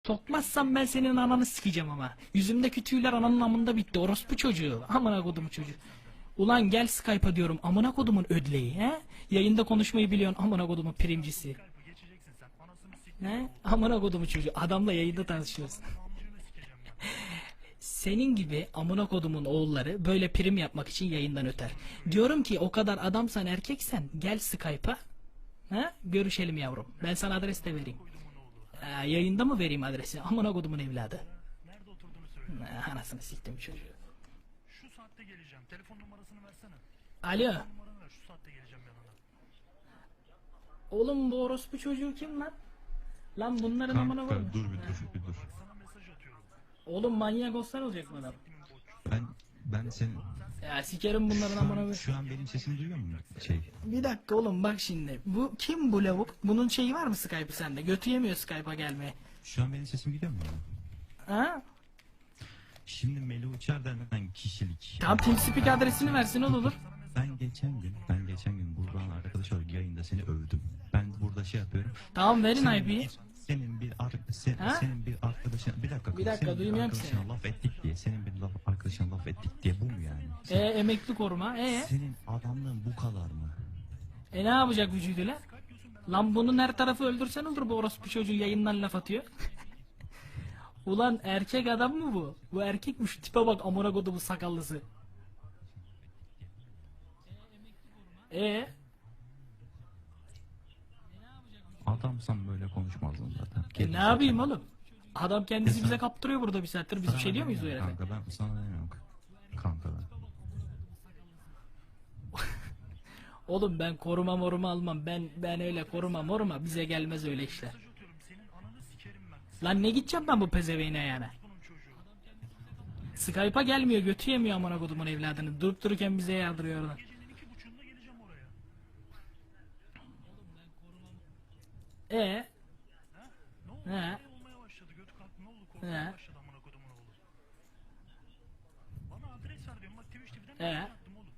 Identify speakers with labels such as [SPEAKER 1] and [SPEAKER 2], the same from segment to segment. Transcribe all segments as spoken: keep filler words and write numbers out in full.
[SPEAKER 1] Sokmazsam ben senin ananı sikeceğim ama. Yüzümdeki tüyler ananın amında bitti. Orospu çocuğu. Amına kodumu çocuğu. Ulan gel Skype'a diyorum. Amına kodumun ödleği he? Yayında konuşmayı biliyorsun amına kodumun primcisi. He? Amına kodumu çocuğu. Adamla yayında tanışıyoruz. Senin gibi amına kodumun oğulları böyle prim yapmak için yayından öter. Diyorum ki o kadar adamsan erkeksen gel Skype'a. Ha? Görüşelim yavrum. Ben sana adres de vereyim. Ee, yayında mı vereyim adresi? Amına kodumun evladı.
[SPEAKER 2] Nerede oturduğunu söyle.
[SPEAKER 1] Ee, anasını siktim çocuğu.
[SPEAKER 2] Şu saatte geleceğim. Telefon numarasını versene.
[SPEAKER 1] Alo.
[SPEAKER 2] Numaranı ver. Şu saatte geleceğim yanına.
[SPEAKER 1] Oğlum bu orospu çocuğu kim lan? Lan bunların amına
[SPEAKER 3] Kanka
[SPEAKER 1] koyma.
[SPEAKER 3] dur bir dur bir dur.
[SPEAKER 2] Sana mesaj atıyorum.
[SPEAKER 1] Oğlum manyak olsan olacak mı adam?
[SPEAKER 3] Ben ben senin
[SPEAKER 1] Ya sikerim bunların
[SPEAKER 3] şu
[SPEAKER 1] amına
[SPEAKER 3] an,
[SPEAKER 1] koyma.
[SPEAKER 3] şu an benim sesimi duyuyor musun? Şey.
[SPEAKER 1] Bir dakika oğlum bak şimdi. Bu kim bu lavuk? Bunun şeyi var mı Skype'ı sende? Götü yemiyor Skype'a gelmeye.
[SPEAKER 3] Şu an benim sesim gidiyor mu?
[SPEAKER 1] Ha?
[SPEAKER 3] Şimdi Meli Uçar denen kişilik.
[SPEAKER 1] Tam TeamSpeak adresini versin o da olur.
[SPEAKER 3] Ben geçen gün ben geçen gün buradan arkadaş olarak yayında seni övdüm. Ben burada şey yapıyorum.
[SPEAKER 1] Tamam verin
[SPEAKER 3] Senin
[SPEAKER 1] I P'yi.
[SPEAKER 3] bir, senin bir ar sen,
[SPEAKER 1] Ha?
[SPEAKER 3] senin bir arkadaşın bir dakika.
[SPEAKER 1] Bir dakika,
[SPEAKER 3] senin
[SPEAKER 1] duymuyorum ki
[SPEAKER 3] arkadaşına
[SPEAKER 1] seni.
[SPEAKER 3] laf ettik diye senin bir laf arkadaşına laf ettik diye bu mu yani?
[SPEAKER 1] E emekli koruma. E
[SPEAKER 3] Senin adamlığın bu kadar mı?
[SPEAKER 1] e ne yapacak vücuduyla? Lan bunun her tarafı öldürsen olur bu orospu çocuğu yayından laf atıyor. Ulan erkek adam mı bu? Bu erkekmiş tipe bak amına kodumu sakallısı. E
[SPEAKER 3] Adamsan böyle konuşmazdın zaten.
[SPEAKER 1] E ne yapayım oğlum? Adam kendisi bize kaptırıyor burada bir saattir. Biz bir şey diyor muyuz o herife?
[SPEAKER 3] Kanka ben sana demiyorum. Kanka ben.
[SPEAKER 1] Oğlum ben koruma moruma almam. Ben ben öyle koruma moruma bize gelmez öyle işler.
[SPEAKER 2] Atıyorum. Senin ananı sikerim ben.
[SPEAKER 1] Lan ne gideceğim ben bu pezeveğine yani?
[SPEAKER 2] Bunun çocuğu.
[SPEAKER 1] Skype'a gelmiyor, götü yemiyor amına kodumun evladını. Durup dururken bize yardırıyor oradan.
[SPEAKER 2] Gecenin iki buçuğunda geleceğim oraya.
[SPEAKER 1] E
[SPEAKER 2] Ha? Ne oldu?
[SPEAKER 1] He.
[SPEAKER 2] Ne olmaya başladı? Götü kalktı. Ne oldu? Korkmaya
[SPEAKER 1] He.
[SPEAKER 2] başladı amına kodumun oğlu. Bana adres ver diyorum. Bak Twitch T V'den
[SPEAKER 1] He.
[SPEAKER 2] mesaj attım oğlum.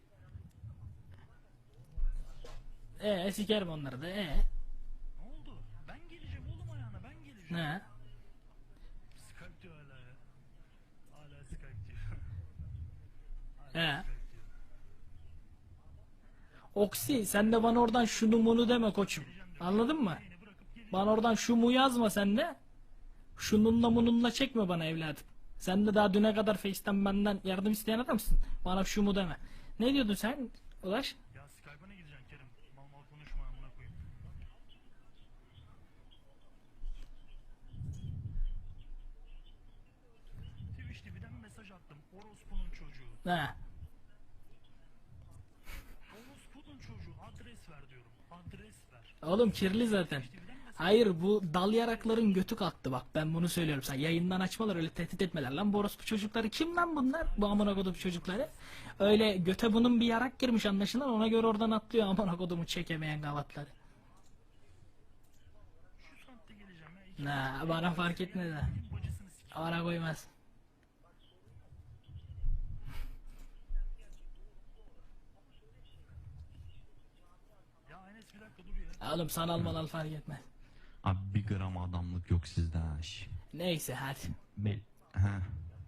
[SPEAKER 1] e sikerim onları da. E
[SPEAKER 2] Ne oldu? Ben geleceğim oğlum ayağına. Ben geleceğim.
[SPEAKER 1] ne?
[SPEAKER 2] Skype diyor hala ya. Hala Skype diyor.
[SPEAKER 1] E
[SPEAKER 2] Skype diyor.
[SPEAKER 1] Oksi sen de bana oradan şunu munu deme koçum. Anladın mı? Bana oradan şu mu yazma sen de. Şununla mununla çekme bana evladım. Sen de daha düne kadar Face'ten benden yardım isteyen adamsın. Bana şu mu deme. Ne diyordun sen Ulaş?
[SPEAKER 2] Ya Skype'a ne gideceksin Kerim? Mal mal konuşma amına koyayım. Twitch T V'den mesaj attım. Orospu'nun çocuğu.
[SPEAKER 1] He.
[SPEAKER 2] Orospu'nun çocuğu. Adres ver diyorum. Adres ver.
[SPEAKER 1] Oğlum kirli zaten. Hayır bu dal yarakların götü kalktı bak ben bunu söylüyorum sen yayından açmalar öyle tehdit etmeler lan bu orospu çocukları kim lan bunlar bu amına kodum çocukları öyle göte bunun bir yarak girmiş anlaşılan ona göre oradan atlıyor amına kodumu çekemeyen gavatları.
[SPEAKER 2] Şu saatte geleceğim ya. İki
[SPEAKER 1] Na bana fark etmez ha
[SPEAKER 2] bacısını sik.
[SPEAKER 1] bana koymaz.
[SPEAKER 2] Ya Enes bir dakika dur ya.
[SPEAKER 1] Oğlum sanal malal fark etmez.
[SPEAKER 3] Abi bir gram adamlık yok sizde ha. şş.
[SPEAKER 1] Neyse hadi.
[SPEAKER 3] Mel ha.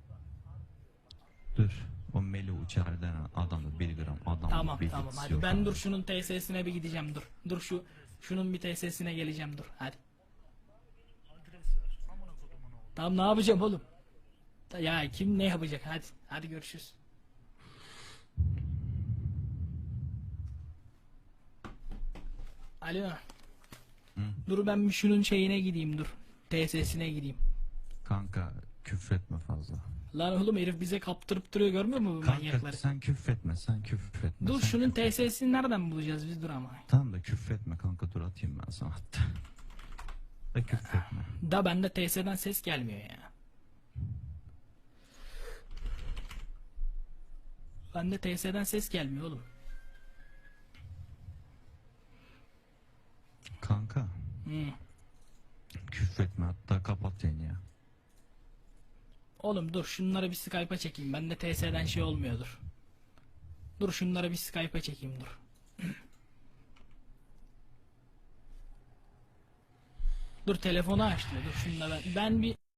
[SPEAKER 3] Dur. O Meli Uçar denen adamda bir gram adamlık
[SPEAKER 1] Tamam
[SPEAKER 3] bilgisi
[SPEAKER 1] tamam hadi
[SPEAKER 3] yok
[SPEAKER 1] ben
[SPEAKER 3] abi.
[SPEAKER 1] dur şunun T S'sine bir gideceğim dur. Dur şu şunun bir T S'sine geleceğim dur hadi.
[SPEAKER 2] Adres ver. Amına kodumun oğlu.
[SPEAKER 1] Tamam ne yapacağım oğlum? Ya kim ne yapacak hadi hadi görüşürüz. Alo. Dur ben bir şunun şeyine gideyim dur. T S'sine gideyim.
[SPEAKER 3] Kanka küfretme fazla.
[SPEAKER 1] Lan oğlum herif bize kaptırıp duruyor görmüyor musun bu
[SPEAKER 3] Kanka
[SPEAKER 1] manyakları?
[SPEAKER 3] sen küfretme sen küfretme.
[SPEAKER 1] Dur
[SPEAKER 3] sen
[SPEAKER 1] şunun
[SPEAKER 3] küfretme.
[SPEAKER 1] T S'sini nereden bulacağız biz dur ama.
[SPEAKER 3] Tamam da küfretme kanka dur atayım ben sana hatta. Da küfretme.
[SPEAKER 1] Da bende T S'den ses gelmiyor ya. Bende T S'den ses gelmiyor oğlum.
[SPEAKER 3] Kanka
[SPEAKER 1] Hı.
[SPEAKER 3] küfretme hatta kapat yayını ya.
[SPEAKER 1] Oğlum dur şunları bir Skype'a çekeyim. Bende T S'den şey olmuyordur. Dur şunları bir Skype'a çekeyim dur. Dur telefonu açtı. Dur şunu da ben. Ben bir